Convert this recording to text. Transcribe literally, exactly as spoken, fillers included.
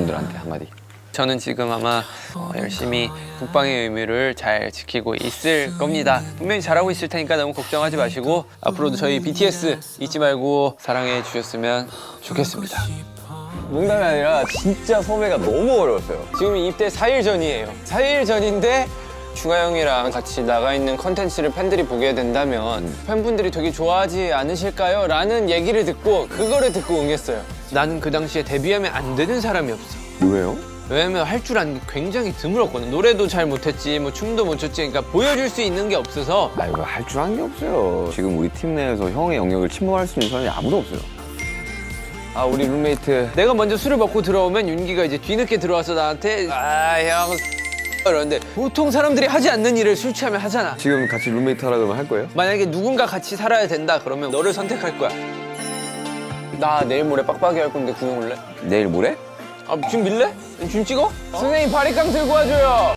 여러분들한테 한마디. 저는 지금 아마 어, 열심히 국방의 의무를 잘 지키고 있을 겁니다. 분명히 잘하고 있을 테니까 너무 걱정하지 마시고 앞으로도 저희 비티에스 잊지 말고 사랑해 주셨으면 좋겠습니다. 농담이 아니라 진짜 섭외가 너무 어려웠어요. 지금 입대 사 일 전이에요. 사 일 전인데 중아 형이랑 같이 나가 있는 컨텐츠를 팬들이 보게 된다면 음. 팬분들이 되게 좋아하지 않으실까요? 라는 얘기를 듣고 그거를 듣고 응했어요. 나는 그 당시에 데뷔하면 안 되는 사람이 없어. 왜요? 왜냐면 할 줄 아는 게 굉장히 드물었거든. 노래도 잘 못했지, 뭐 춤도 못 췄지. 그러니까 보여줄 수 있는 게 없어서. 아 이거 할 줄 아는 게 없어요. 지금 우리 팀 내에서 형의 영역을 침범할 수 있는 사람이 아무도 없어요. 아 우리 룸메이트 내가 먼저 술을 먹고 들어오면 윤기가 이제 뒤늦게 들어와서 나한테 아 형 이러는데 보통 사람들이 하지 않는 일을 술 취하면 하잖아. 지금 같이 룸메이트 하라 그러면 할 거예요? 만약에 누군가 같이 살아야 된다 그러면 너를 선택할 거야. 나 내일 모레 빡빡이 할 건데 구경 올래? 내일 모레? 아 지금 밀래? 지금 찍어? 선생님 바리깡 들고 와줘요.